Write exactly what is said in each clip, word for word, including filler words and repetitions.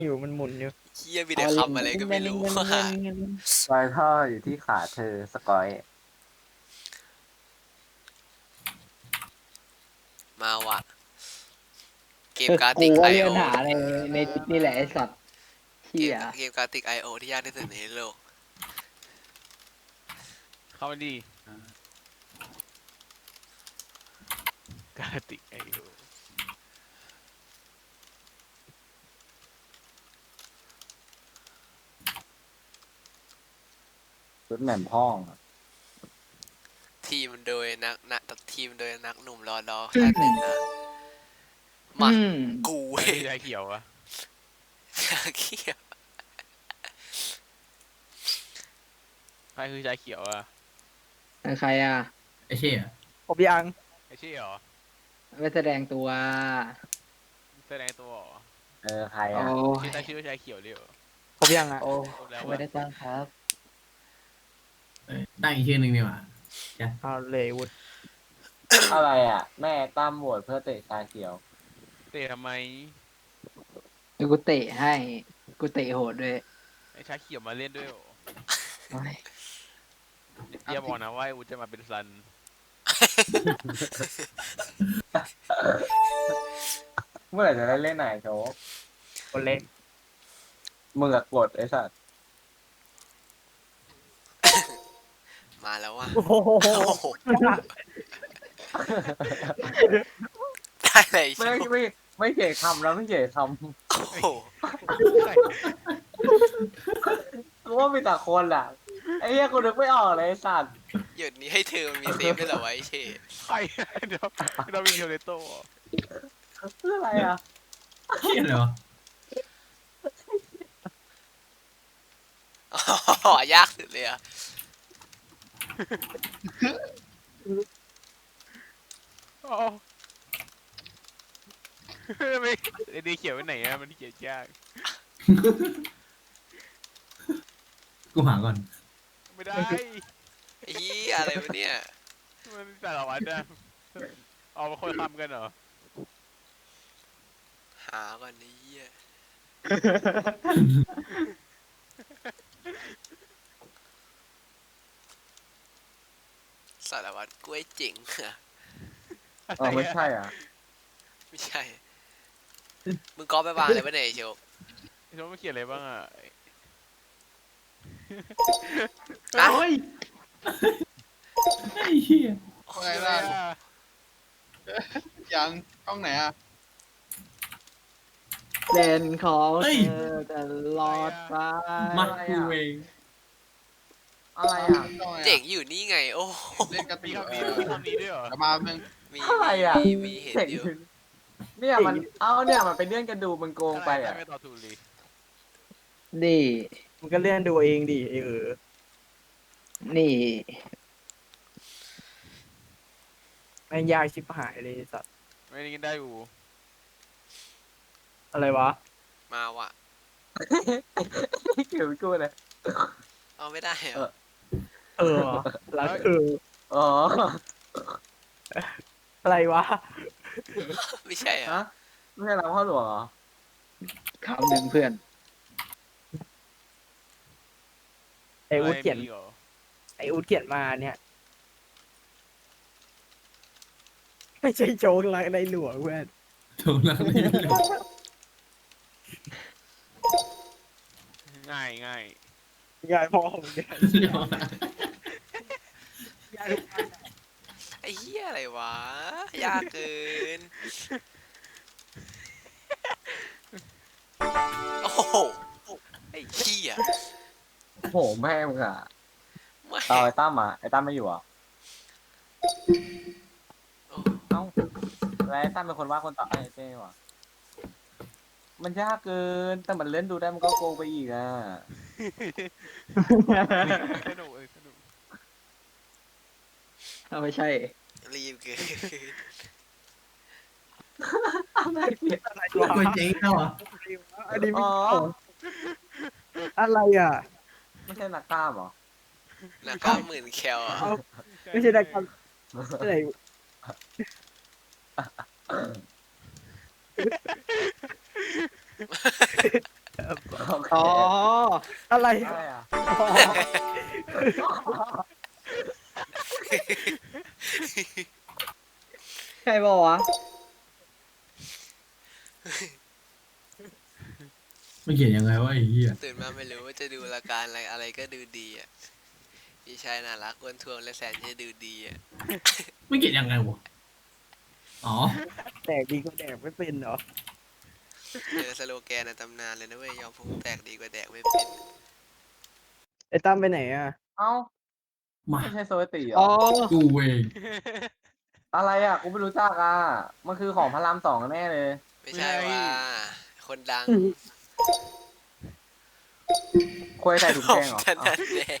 อยู่มันหมุนอยู่เฮียมีแต่คำอะไรก็ไม่รู้ว่ารอยท่ออยู่ที่ขาเธอสกอยมาว่ะเกมคือกูการ์ติกไอว่าเลื่อโอนหาในในนี่แหละไอสัตว์เกเชี่ยมเกมการ์ติกไอโอที่ยากที่สุดในโลกเข้ามาดีกาติกไอโอชุดแหม่มพ้องอะทีมโดยนักนักทีมโดยนักหนุ่มรอดอแค่หนึ่งนะมาอืมกูเว้ไอ้ยชาเขียวอะเขี้ยวใครคือชาเขียวอะใครอ่ะไอ้เชี่ยผมยังไอ้เชี่ยเหรอไม่แสดงตัวแสดงตัวเหรอเออใครโอ้อ่ะชื่อย ตั้งชื่อว่าชาเขียวเลยเหรอผมยังอ่ะโอ้ครบแล้วไม่วะได้ตั้งครับเอ้ยตั้งอีกชื่อหนึ่งดีกว่าเอาเลยวุฒอะไรอ่ะ แม่ตั้มโหวตเพื่อเตะชาเขียวเตะทำไมเดี๋ยวกูเตะให้กูเตะโหดด้วยไอ้ชาเขียวมาเล่นด้วยเหรอโอ้ยเดี๋ยวบอกนะว่าไอ้อูจะมาเป็นซันเมื่อไหร่จะได้เล่นไหนโชว์คนเล็กมึงอะกดไอ้สัตว์มาแล้วว่ะโอ้โหโอ้โหได้เลยชิไม่วไม่ไม่เขียนคำแล้วไม่เขียนคโอ้โหำกูว่ามีแต่คนอ่ะไอ้เหี้ยกูนึกไม่ออกเลยไอ้สัตว์หยุดนี้ให้เธอมันมีเซฟด้วยเหรอวะไอ้เช่ใครเดี๋ยวเรามีเทเลโต้เหรอคืออะไรอ่ะเชี่ยเหรออ๋อยากสุดเลยอ่ะอ๋อไม่ไอ้ดีเขียวไปไหนอะมันเขียนยากกูหาก่อนไม่ได้ไอ้เหี้ยอะไรวะเนี่ยมันแต่ละวันนะเอามาคนทำกันเหรอหาก่อนไอ้เหี้ยสารวัตรกล้วยเจ๋งอะอ๋อไม่ใช่อ่ะไม่ใช่ มึงก๊อปไปวางเลยปะเนี่ยไอ้โชคไอ้โน้ตมันเขียนอะไรบ้างอะฮะโอ้ยไอ้เชี่ยไงล่ะอะยังช่องไหนอ่ะเป็นของเฮ้ยเธอตลอดไปมากูเองอะไรอ่ะช่องไหนอะเจ๋งอยู่นี่ไง โอ้โหเล่นกระมีติกคำนี้เออมีคำนี้ด้วยเหรอเดี๋ยวมาเพิ่งมีอะไรอ่ะมีมีเห็นเจ๋งอยู่เนี่ยมันเอ้าเนี่ยมันเป็นเรื่องกันดูมึงโกงไปอ่ะไม่ต่อถูกเลยนี่มันก็เลื่อนดูเองดิไอ้เออนี่แม่งยากชิบหายเลยไอ้สัตว์ไม่ได้กินได้อยู่อะไรวะมาว่ะเกี่ยวกับกูเลยเอาไม่ได้เหรอเออแล้วคืออ๋ออะไรวะไม่ใช่เหรอฮะไม่ใช่เราพ่อหลวงเหรอคำหนึ่งเพื่อนไอ้อูดเขียนะไรมีหรอไอ้อูดเขียนมาเนี่ย ไม่ใช่โจ๊กลักในหลวงเพื่อนถูกแล้วไม่รู้เลยง่ายง่ายยายพ่อผมเนี่ยยายทุกอันอะไอ้เหี้ยอะไรวะ ยากเกิน โอ้โห ไอ้เหี้ยโอ้โหแม่มึงอ่ะไม่เอาไอ้ตั้มอ่ะไอ้ตั้มไม่อยู่อ่ะโอ้เอ้าแล้วไอ้ตั้มเป็นคนว่าคนต่อไอ้เจ้ว่ะมันยากเกินแต่มันเล่นดูได้มันก็โกงไปอีกอ่ะสนุกเออสนุกเอาไม่ใช่รีบเกินอะไรเนี่ยอะไรกูวะเจ๊งแล้วเหรออันนี้ไม่อ๋ออะไรอ่ะไม่ใช่นักกล้ามเหรอหนักเก้าหมื่นแคลอ่ะเอาไม่ใช่ได้ความอะไรอ๋อ อะไรอะไรอ่ะอ๋อใครบอกวะไม่เขียนยังไงวะไอ้เหี้ยตื่นมาไม่รู้ว่าจะดูรายการอะไรอะไรก็ดูดีอ่ะพี่ชายน่ารักอ้วนท้วมและแสนจะดูดีอ่ะไม่เขียนยังไงวะอ๋อแดกดีก็แดกไม่เป็นเหรอเจอสโลแกนในตำนานเลยนะเว้ยยอมพุงแตกดีกว่าแดกไม่เป็นไอ้ตั้มไปไหนอ่ะเอ้ามาไม่ใช่โซยติเหรอ๋ออกูเองอะไรอ่ะ กูไม่รู้จักอ่ะ มันคือของพระรามสองแน่เลยไม่ใช่ว่าคนดังควยใส่ถุงขอแกงงเหรอถนัดแดก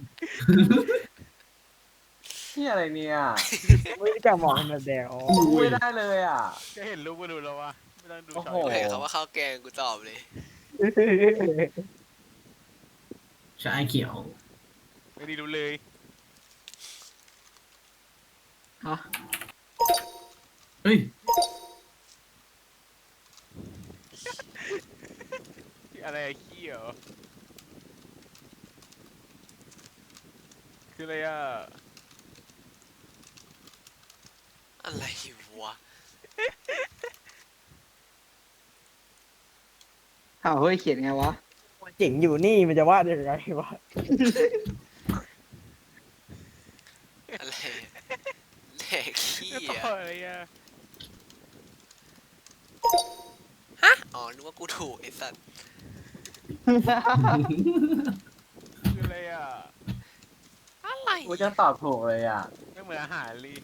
ที่อะไรเนี่ยไม่รู้จักหมอคนแบบแดกอ๋อกูพูดเอไม่งได้เลยอ่ะก็เห็นรูปก็รู้แล้วว่าไม่ต้องดูโอ้ช็อโหตเห็นเขาว่าข้าวแกงกูตอบเลยชาเขียวไม่ได้รู้เลยฮะเฮ้ยอะไรอะขี้เหรอคืออะไรอ่ะอะไรวะอ้าวเฮ้ยเขียนไงวะเจ๋งอยู่นี่มันจะวาดยังไงวะอะไรอะแดกขี้ต่อ่ะออะไรอ่ะฮะอ๋อนึกว่ากูถูกไอ้สัตว์คืออะไรอ่ะอะไรกูจะตอบถูกเลยอ่ะไม่เหมือนอาหารเลย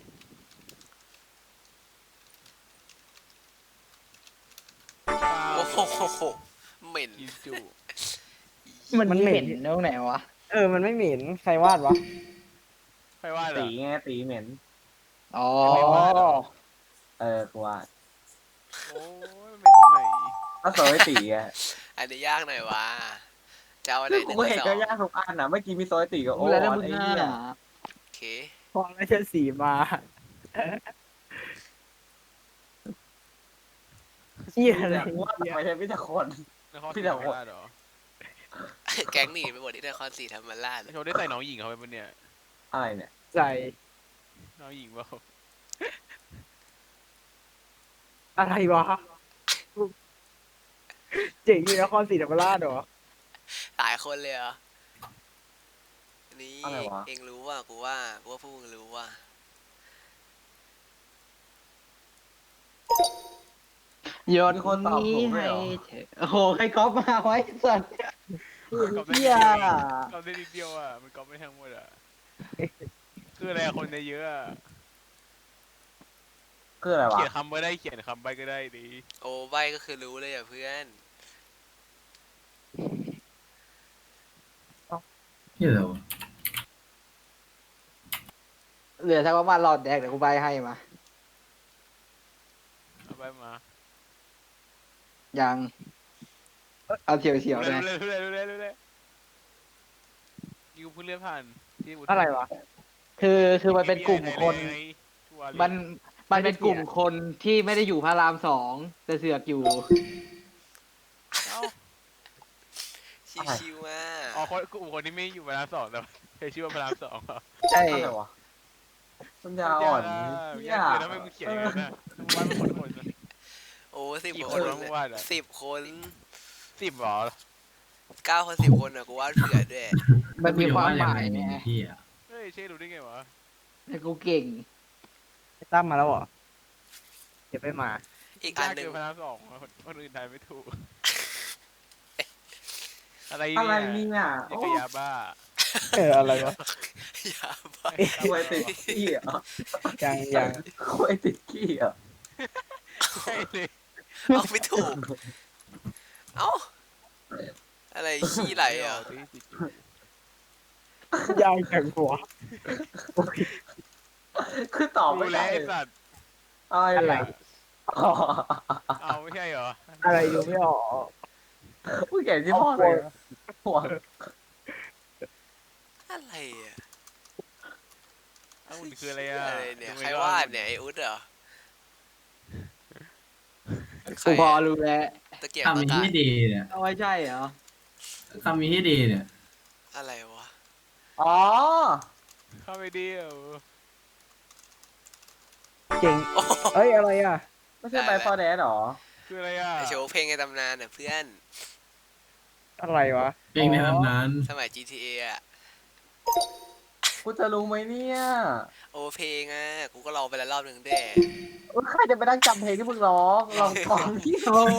โอ้โหเหม็นกินจุมันเหม็นตรงไหนวะเออ มันไม่เหม็นใครวาดวะใครว่าเหรตีอไงตีเหม็นอ๋อเออ กูว่าโอ้ยมันเป็นตรงไหนถ้าโซยตีอ่ะอันนี้ยากหน่อยวะจะเอาอันไหนหกูนึ่งก็หรืเห็นอสอก็งยากทุกอันนะเมื่อกี้มีโซยตีกับโอ้รู้แล้วนะอมึงไอ้หน้าเหี้ยโอเคพอราชสีมาเหี้ยอะไรกูว่าเหี้ยไม่ใช่พี่แต่คนนครพี่ศรีเดาธรรมราชเหรอแก๊งหนีไปหมดที่นครศรีธรรมราชโชว์ได้ใส่น้องหญิงเขาไปปะเนี่ยอะไรเนี่ยใส่น้องหญิงเปล่าอะไรวะ เจ๋งอยู่นครศรีธรรมราชเหรอหลายคนเลยเหรออันนี่อะไรวะเองรู้ว่ากูว่ากูว่าพวกมึงรู้ว่าโยนมีคนตอบถูกด้วยให้เหรอเธอโอ้โห ใครก๊อปมาไว้สัตว์ก๊อปได้เหี้นิยดเดียวเองก๊อปได้นิดเดียวอ่ะ มันก๊อปไม่ทั้งหมดอ่ะ คืออะไรอะคนในเยอะอะคืออะไรวะเขียนคำก็ได้เขียนคำไปก็ได้ดีโอ้ใบก็คือรู้เลยอ่ะเพื่อนเหี้ยอะไรวะเหลือสักประมาณหลอดแดกเดี๋ยวกูใบให้มาเอาไปมายัง เอาเฉียวเฉียวๆรู้นะเลยรู้เลยรู้เลยรู้เลยยูเพิ่งเลื่อนผ่านที่วุฒิอะไรวะคือคือมันเป็นกลุ่มคนไงทัวร์มันมันเป็นกลุ่มคนที่ไม่ได้อยู่พระรามสองแต่เสือกอยู่เอ้าชิวๆมากอ๋อคนกลุ่มคนที่ไม่อยู่พระรามสองแต่ว่าใช้ชื่อว่าพระรามสองเหรอใช่อะไรวะปัญญาอ่อนเหี้เหี้ยยากเลยทำไมมึงเขียนอย่างนั้นนะมึงวาดเป็นคนคนนะโอ้สิบกี่คคนนวะมึงวาดอะสิบคนสิบเหรอเก้าคนสิบคนอ่ะกูวาดเผื่อด้วยมันมีความหมายไงไงเหี้ยเฮ้ยเช่รู้ได้ไงวะแต่กูเก่งไอ้ตั้มมาแล้วเหรอ เดี๋ยวไปมาอีกอันยากหนึ่งเกินพระรามสองคนคนอื่นทายไม่ถูก อะไรอะไรเนี่ยเนี่ยนี่โอ้ก็ยาบ้าเอออะไรวะอย่าไปควยติดขี้เหรอยังยังควยติดขี้เหรอใช่เลยเอาไม่ถูก เอ้า อะไรขี้ไหลอ่ะที่ติดอยู่ยังจังหัวคือตอบรู้ไม่แล้ได้วไอ้สัตว์อะไรอะไรเนี่ยอ๋อเอาไม่ใช่เหรออะไรดูไม่ออกผู้เก่งที่พ่อเลยหัวอะไรอ่ะเอาอุ่นคืออะไรอ่ะอะไรเนี่ยทำไมใครวาดเนี่ยไอ้อุ๊ดเหรอใครกูพออะรู้แล้วตะเกียบทำตะอย่างกานี้ดีเนี่ยเอาไว้ใช่เหรอคำมีให้ดีเนี่ยอะไรวะอ๋อเข้าไปเดียวเก่งโอ้โหเอ้ยอะไรอ่ะไม่ใช่ไปฟอร์แดนหรอคืออะไรอ่ะไอโชว์เพลงในตำนานน่ะเพื่อนอะไรวะเพลงในตำนานสมัย จี ที เอ อ่ะกูจะรู้ไหมเนี่ยโอเพลงอ่ะ กูก็ลองไปแล้วรอบหนึ่งด้วยเออใครจะไปนั่งจำเพลงที่มึงร้องลองฟังที่โอ้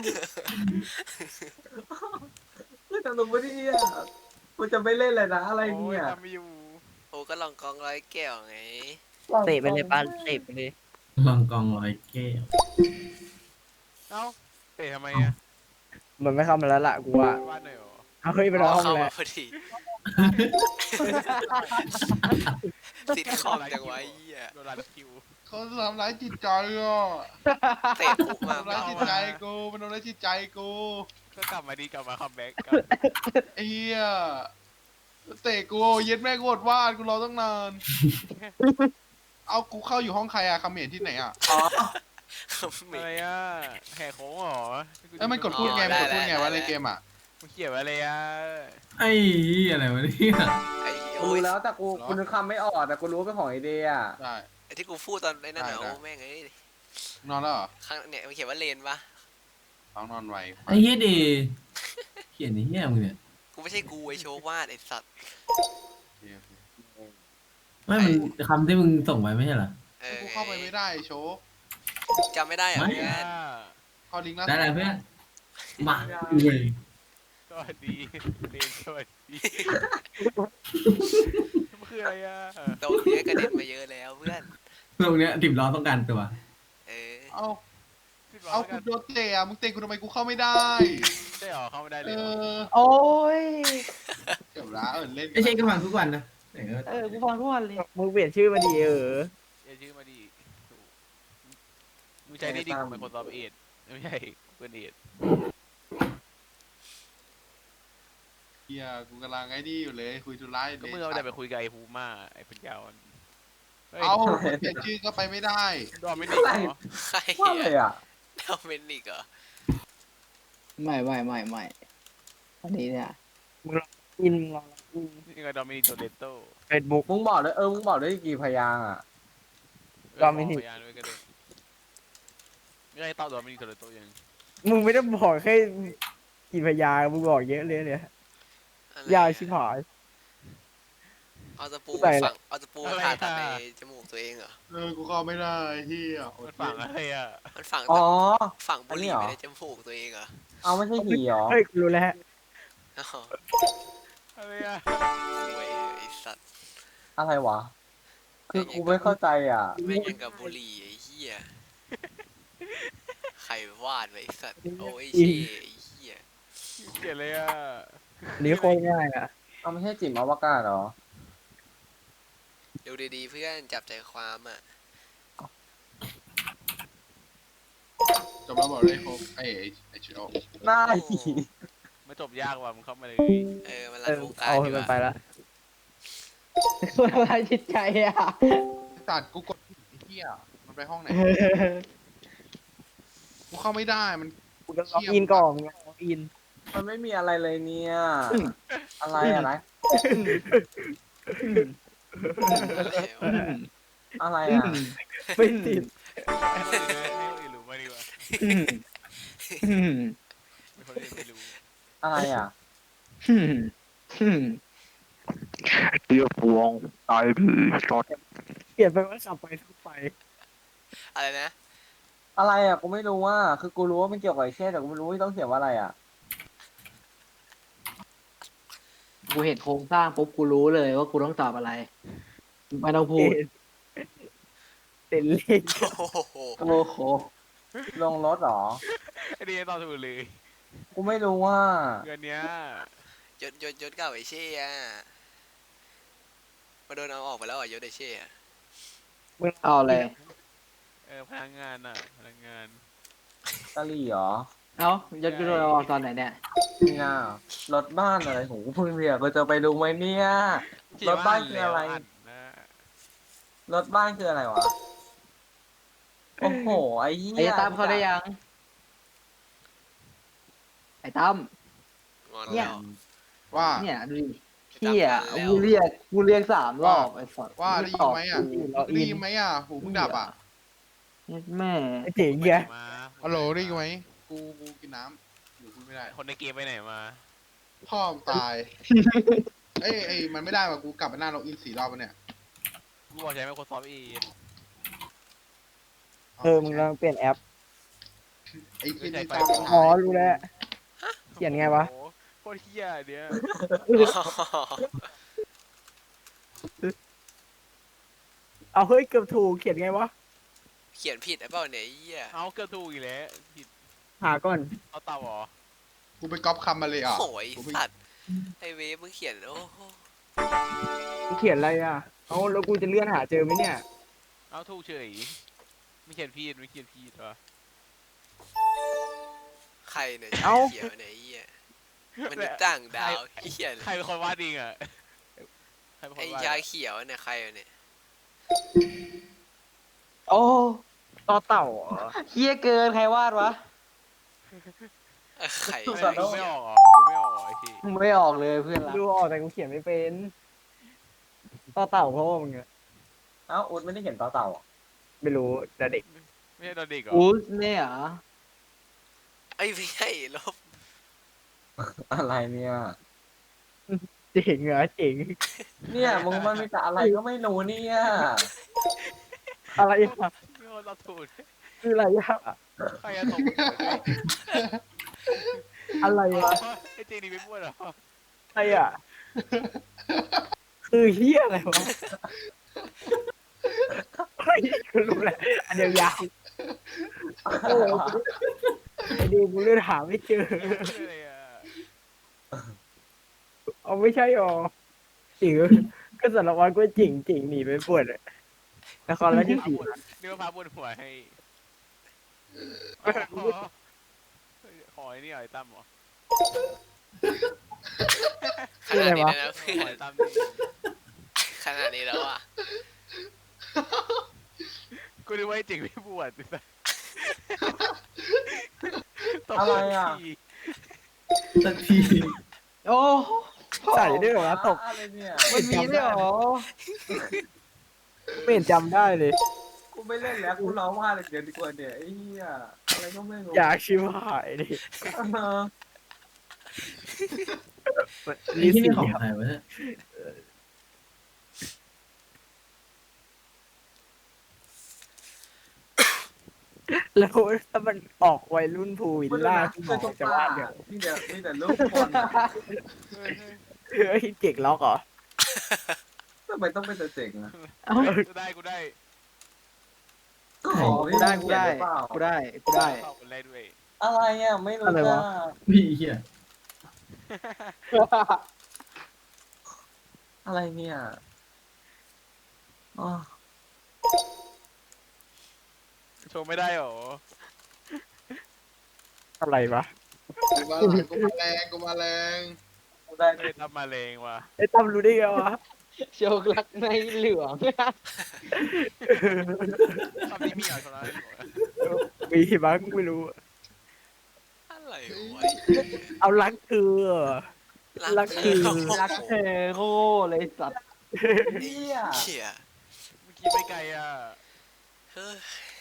กูจะรู้ไหมเนี่ยกูจะไม่เล่นเลยนะอะไรโอ้ยเนี่ยทำไม่อยู่โอ้ก็ลองกองร้อยแก้วไงเตะไปเลยปาเตะไปเลยลองกองร้อยแก้วเอ้าเตะทำไมอ่ะมันไม่เข้ามาแล้วล่ะกูว่าวาดหน่อยเหรอเอาเฮ้ยไปร้องเข้าแล้มาว พอดีติดคอมจังไวะไอ้เหี้ยโดนรันคิวเขาทำร้ายจิตใจอ่ะเตะปุ๊บมาทำร้ายจิตใจกูมันทำร้ายจิตใจกูก็กลับมาดีกลับมาคัมแบ็กไอ้เหี้ยเตะกูเย็ดแม่กูอดวาดกูรอตั้งนาน เอากูเข้าอยู่ห้องใครอะคาเขมรที่ไหนอะอ๋ออะไรอ่ะแหกโค้งเหรอเอ้ยมันกดพูดไงมันกดพูดไงวะในเกมอะมันเขียนว่าอะไรอ่ะไอ้อะไรวะเนี่ยไอ้กูโอ้ยรู้แล้วแต่กูกูนึกคำไม่ออกแต่กูรู้ว่าเป็นของไอเดียได้ไอ้ที่กูพูดตอนไอ้นั่นน่ะได้โอ้แม่งเอ้ยนอนแล้วเหรอข้างเนี่ยมันเขียนว่าเลนปะน้องนอนไวไอ้เฮียดีเขียนไอ้เฮียมึงเนี่ยกูไม่ใช่กูไอโชว์วาดไอสัตว์โอเคโอเคไม่มึงคำที่มึงส่งไปไม่ใช่เหรอเออกูเข้าไปไม่ได้โชว์จำไม่ได้เหรอไม่เพื่อนเข้าลิงก์ล่าได้สุดแล้วเพื่อนมาเว้ยสวัสดีเรียนสวัสดีมันคืออะไรอ่ะโตเนี้ยกระเด็นมาเยอะแล้วเพื่อนตรงเนี้ยติมล้อต้องการตัวเออเอาขึ้นมาเอาแล้วกูกันโดนเตะอะมึงเตะกูทำไมกูเข้าไม่ได้ใช่หรอเข้าไม่ได้เลเอยเหรออโอ้ยเก็บละเออเล่นไม่ใช่ก็ฟังทุกวันนะเออเออกูฟังทุกวันเลยมึงเปลี่ยนชื่อมาดีเอออย่าชื่อมาดิมึงใช้ได้ดีกว่า Microsoft Edge ไม่ใช่ Google Edge เฮียกูกำลังไอ้นี่อยู่เลยคุยธุระอยู่ก็เลยมึงเอาแต่ไปคุยกับไอ้ภูมาไอ้ปัญญาอ่อนเฮ้ยเอาแต่ชื่อก็ไปไม่ได้ดอมไม่ได้เหรอใครว่าเลยอ่ะเดาเมนิกเหรอไม่ไม่ไม่ไม่อันนี้เนี่ยอินลองอินนี่ก็ดอมินิกโตเลโต้เฟซบุ๊กมึงบอกเลยเออมึงบอกได้กี่พยางค์อ่ะ Dominic พยานด้วยก็ได้ไม่ได้ตอบดอมินิกโตเลโต้ยังมึงไม่ได้บอกแค่กี่พยางค์มึงบอกเยอะเลยเนี่ยอะไรยาวอะชิบหายเอาตะปูใส่มาละฝังเอาตะปูมาผ่าตัดในจมูกตัวเองเหรอเออกูเข้าไม่ได้เฮียอมัดนฝังอะไรอ่ะมันฝังอ๋อฝังบุหรี่อันนี้เหรอไว้ในจมูกตัวเองเหรอเอาไม่ใช่หีเหรอเฮ้ยกูรู้แล้วอ๋ออะไรอ่ะเว้ยไอสัตว์อะไรวะ คือกูไม่เข้าใจอ่ะแม่งยังกับบุหรี่ไอ้เหี้ยใครวาดไว้ไอ้สัตว์โอ้ยเช่ไอ้เหี้ยเขียนอะไรอ่ะอันนี้โคตรง่ายอ่ะเอาไม่ใช่จิ๋มอวกาศเหรอดูดีๆเพื่อนจับใจความอ่ะจบแล้วบอกเลยครบไอ้ไอ้ไอ้ชิโอหน้าโอ้หีไม่จบยากว่ะมึงเข้ามาเลยเออมันรัเอน อวงการเอาดีให้กมันว่าไปละคนอะไรจิตใจอ่ะตัดกูกดไอ้เฮียมันไปห้องไหนกูเข้าไม่ได้มันกูจะล็อกอินก่อนมึงล็อกอินมันไม่มีอะไรเลยเนี่ย อะไรอะไรอะไรวะอะไรอ่ะไม่ติดให้คนอื่นรู้มาดีกว่าไม่คนอื่นไม่รู้อะไรอ่ะเรียกพวงตายพี่ชอตเปลี่ยนไปว่าขับไปทุกไปอะไรนะอะไรอ่ะ กูไม่รู้ว่า คือกูรู้ว่ามันเกี่ยวกับไอ้เช่แต่กูไม่รู้ว่าต้องเขียนว่าอะไรอ่ะกูเห็นโครงสร้างปุ๊บกูรู้เลยว่ากูต้องตอบอะไรไม่ต้องพูดเต็นเลขโอ้โหโอ้โหลงรถเหรอไอ้นี่ตอบถูกเลยกูไม่รู้ว่าเงินเนี้ยยศยศยศเก่าไอเช่อะมาโดนเอาออกไปแล้วอ่ะยศไอเช่อะเอาเลยเออพนักงานอ่ะพนักงานกะหรี่เหรอเอายศยุโรปออกตอนไหนเนี่ยนี่น่ารถบ้านอะไรของกูเพิ่งเรียกกูจะไปดูไหมเนี่ย รถบ้านคืออะไรแล้วนนะรถบ้านคืออะไรวะ โอ้โห ไอ้เหี้ยไอ้ตั้มเขาได้ยัง ไอ้ตั้มงอนเนี่แล้ยวว่าเนี่ยดูดิพี่อ่ะกูเรียกกูเรียกสามรอบไอ้สัตว์ว่าได้ยินไหมอ่ะเราได้อินยินไหมอ่ะหูมึงดับอ่ะแม่ไอ้เจ๋งแกมาฮัลโหลได้ยินไหมกูกูกินน้ำอยู่พูดไม่ได้คนในเกมไปไหนมาพ่อมงตาย เอ้ยเอ้ยมันไม่ได้ว่ะกูกลับไปหน้าล็อกอินสี่รอบแล้วเนี่ยกูบอกใช้ Microsoft Edge เออมึงลองเปลี่ยนแอปไอ้ที่ไม่นี่ใช่ตามไฟอ๋อรู้แล้ว เขียนไงวะโอ้โหโคตรเฮียเดี๋ยวเอาเฮ้ยเกือบถูกเขียนไงวะเขียนผิดไอ้เปล่าเนี่ยไอ้เหี้ยเอาเกือบถูกอีกแล้วผิดหาก่อนเอาเต่าเหรอกูไปก๊อปคำมาเลยอ่ะโอ้ยกูไปสัตว์ไอเวฟมึงเขียนโอ้โหมึงเขียนอะไรอ่ะ เอาแล้วกูจะเลื่อนหาเจอไหมเนี่ยเอาถูกเฉยไม่เขียนผิดไม่เขียนผิดวะใครเนี่ยเอ้าเขียวเนี่ยไอ้เหี้ยมันษย์ต่างดาวเขียนใครเป็นคนวาดเองอ่ะใครเป็นคไอ้นวาดยาเขียวเนี่ยใครวะเนี่ยโอ้ต่อเต่าเหรอเฮี้ยเกินใครวาดวะเออใครดูวะไม่ออกเหรอดูไม่ออกเหรอไอ้ที่มึงไม่ออกเลยเพื่อนรักดูออกแต่กูเขียนไม่เป็นต่อเต่าเพราะว่ามึงอะเอ้าอุดไม่ได้เห็นต่อเต่าอ่ะไม่รู้แต่เด็กไม่ใช่ตอนเด็กเหรออูสเนี่ยเหรอไอ้ยไม่ใช่ลบอะไรเนี่ยเจ๋งเหรอเจ๋งเนี่ยมึงมันมีแต่อะไรก็ไม่รู้เนี่ยอะไรอ่ะนี่คนเราถูกคืออะไรอ่ะใครจะตกหัวด้วยอะไรอ่ะไอ้เจนี่ไม่พูดเหรออะไรอ่ะคือเฮียอะไรวะเฮ้ยกูรู้แหละอันเดียวยาวโอ้ไอเดียวกูเลื่อนหาไม่เจออะไรอ่ะเอาไม่ใช่หรอจิ๋วก็สารวัตรก็จิ๋งจิ๋งหนีไปปวดนครราชสีมานี่ว่าพาบนหัวให้ขอขอไอ้นี่หน่อยตั้มเหรอขนาดนี้แล้วนะขเพื่ออนไอ้ตั้มนี่ขนาดนี้แล้วอ่ะกูนึกว่าไอ้เจ๋งไม่บวชตบอะไรอ่ะทีสักทีโอ้ใส่ด้วยเหรอตกอะไรเนี่ยมันมีด้วยเหรอไม่เห็นจำได้เลยกูไม่เล่นแล้วกูร้องว่าเลยเดี๋ยวดีกว่าเนี่ยไอ้เหี้ยอะไรก็ไม่รู้อยากชิวหายดิเออไอ้ที่นี่ของใครวะเนี่ยแล้วถ้ามันออกวัยรุ่นภูวิลล่าที่หมอจะวาดเนี่ยนี่เดี๋ยวนี่แต่ลูกคนอะเฮ้ยเฮ้ยเจ๋งล็อกเหรอทำไมต้องเป็นแต่เจ๋งอะเอ้าเฮ้ยกูได้กูได้ก็ขอกูได้กูได้กูได้กูได้เข้าคนแรกด้วยอะไรอ่ะไม่รู้อะไรจ้าวะพี่เฮียอะไรเนี่ยอ๋อโชว์ไม่ได้หรออะไรวะกูมาแรงกูมาแรงกูมาแรงกูได้ไม่ได้ทำมาเลงว่ะไอ้ตั้มรู้ได้ไงวะโชครักในเหลืองทำนี้มีเหรอชนะมีบ้างไม่รู้อะไรวะเอารักคือ รักคือรักเธอโคเลยสัตว์เนี่ยเขียเมื่อกี้ไปไกลอ่ะเฮ้ย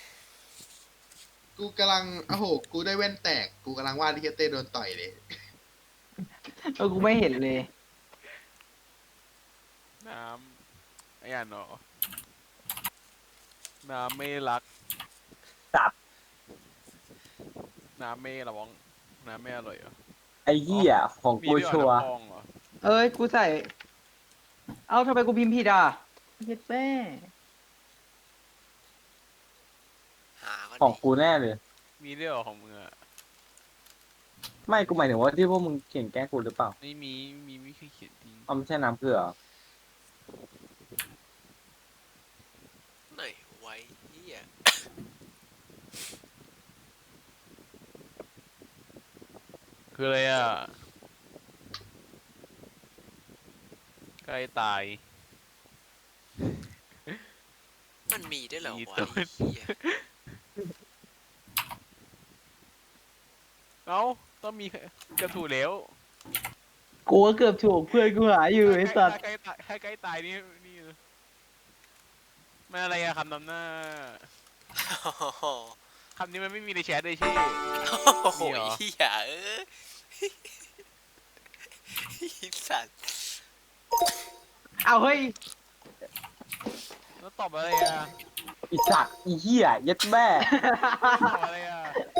กูกำลังโอ้โหกูได้แว่นแตกกูกำลังวาดที่เฮยเต้โดนต่อยเลยเออกูไม่เห็นเลยน้ำไอ้อ่านเนาะน้ำไม่รักจับน้ำไม่ระวังน้ำไม่อร่อยเหรอไอ้เหี้ยของมีกูด้วยเหรชัอวร์น้ำพองเหรอเอ้ยกูใส่ เอ้าทำไมกูพิมพ์ผิดอ่ะเฮ็ดแม่หาก่อนของดิกูแน่เลยมีด้วยเหรอของมึงอ่ะไม่กูหมายถึงว่าที่พวกมึงเขียนแกล้งกูหรือเปล่าไม่มีไม่มีไม่เคยเขียนจริงเอาไม่ใช่น้ำเกลือเหรอไหนไว้เหี้ยคืออะไรอ่ะใกล้ตายมันมีด้วยเหรอมีวะตัวไอ้เหี้ยเอ้าต้องมีกระถูกแล้วกูก็เกือบถูกเพื่อนกูหาอยู่ไอ้สัตว์ใกล้ตายให้ใกล้ตายนี่นี่มันอะไรอะคำนำหน้าโอ้โหคำนี้มันไม่มีในแชทเลยชี่โอ้โหมีเหรอเหี้ยเอ้ยไอ้สัตว์เอาเฮ้ยแล้วตอบอะไรอะอีสัตว์อีเหี้ยเย็ดแม่ตอบอะไรอะ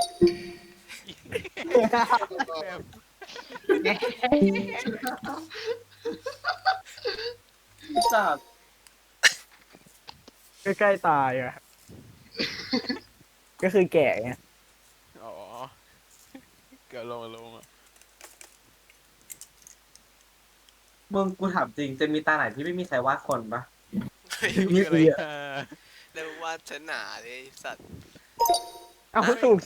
แบบอีสัตว์ใกล้ๆตายอ่ะ ก็คือแก่ไงอ๋อเกิดลงลงอะมึงกูถามจริงจะมีตาไหนที่ไม่มีใครวาดคนปะมีอะไรอะเรียกว่าชนะเลยไอ้สัตว์เอาถูกใส่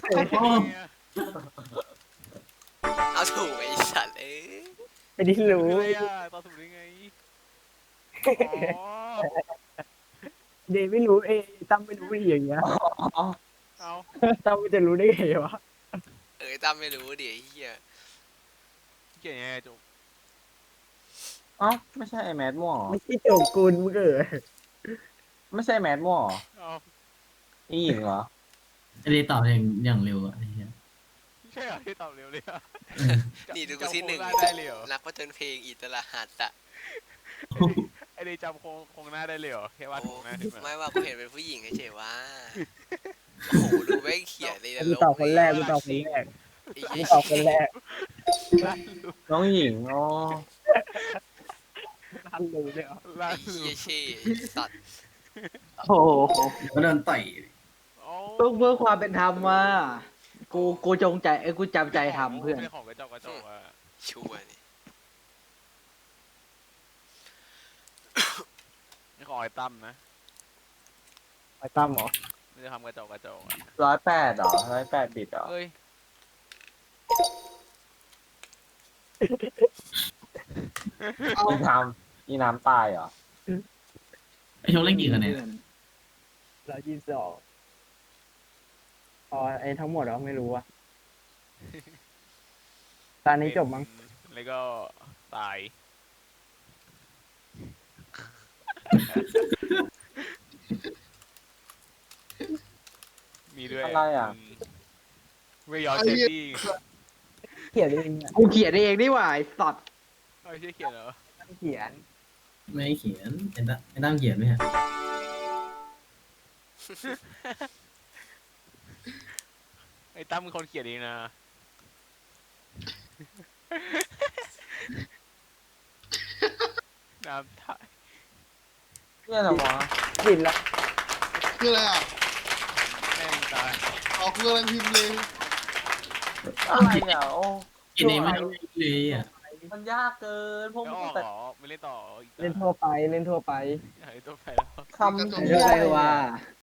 เอาถูกไอ้สัตว์เอ้ยไม่ได้รู้อะไรอะตอบถูกได้ไงอ๋อเดย์ไม่รู้เอยตั้มไม่รู้อีกอย่างเงี้ยอ๋อเอาตั้มมันจะรู้ได้ไงวะเอ้ยตั้มไม่รู้ดิไอ้เหี้ยเก่งยังไงจุ๊บเอ้าไม่ใช่ไอแมดมั่วเหรอไม่ใช่โจกกุลมึงเอ๋ยไม่ใช่แมดมั่วเหรอเอาอีหญิงเหรอไอ้เดตอบอย่างอย่างเร็วอะไอ้เหี้ยใช่เหรอที่ตอบเร็วเลยอะนี่ดูกูที่หนึ่งจำโครงได้เลยเหรอนักผจญเพลงอิตาลหัสอะไอเดย์จำโครงโครงหน้าได้เลยเหรอแค่วาดโอ้โครงหน้าขึ้นมาไม่ว่ากูเห็นเป็นผู้หญิงเฉยๆว่าโอ้โหดูไม่เขียนเลยนะกูลบตอบคนแรกกูเลยตอบคนแรกไอ้กูเหี้ยตอบคนแรกลั่นลูน้องหญิงอ๋อทันรู้เลยเหรอลั่ไอ้นลูเหี้ยเช่ไอ้สัตว์โอ้โหก็โดนต่อยโอ้เพื่อเพื่อความเป็นธรรมมากูกูจงใจเอ้ยกูจำใจทำเพื่อนไม่ได้ของกระจอกกระจอกอะชัวร์นี่นี่ของไอ้ตั้มนะไอ้ตั้มเหรอไม่ได้ทำกระจอกกระจอกอะร้อยแปดเหรอร้อยแปดบิตเหรอเอ้ยอีน้ำอีน้ำตายเหรอไอ้โชคเล่นกี่คะแนนเรายี่สิบสองอ๋อไอ้ทั้งหมดเราไม่รู้อะตอนนี้จบมั้งแล้วก็ตาย มีด้วยอะไรอ่ะเวยอร์เจนดี้เขียนเองอะกูเขียนเองนี่หว่าไอ้สัตว์เอาไม่ใช่เขียนเหรอเขียนไม่เขียนไอ้ตั้มไอ้ตั้มเขียนไหมฮะไอ้ตั้มเป็นคนเขียนเองนะ น้ำท่าเนี่ยเหรอวะบินละคืออะไรอ่ะแม่งตายอ๋อกูกำลังพิมพ์เลยอะไรอ่ะโอ้กินเองไม่ได้เลยอ่ะมันยากเกินพวกแล้วมึอง อกแต่เหรอไม่เล่นต่ออีกเล่นทั่วไปเล่นทั่วไปเฮ้ยตัวไปแล้วคำเล่นทั่วไปว่า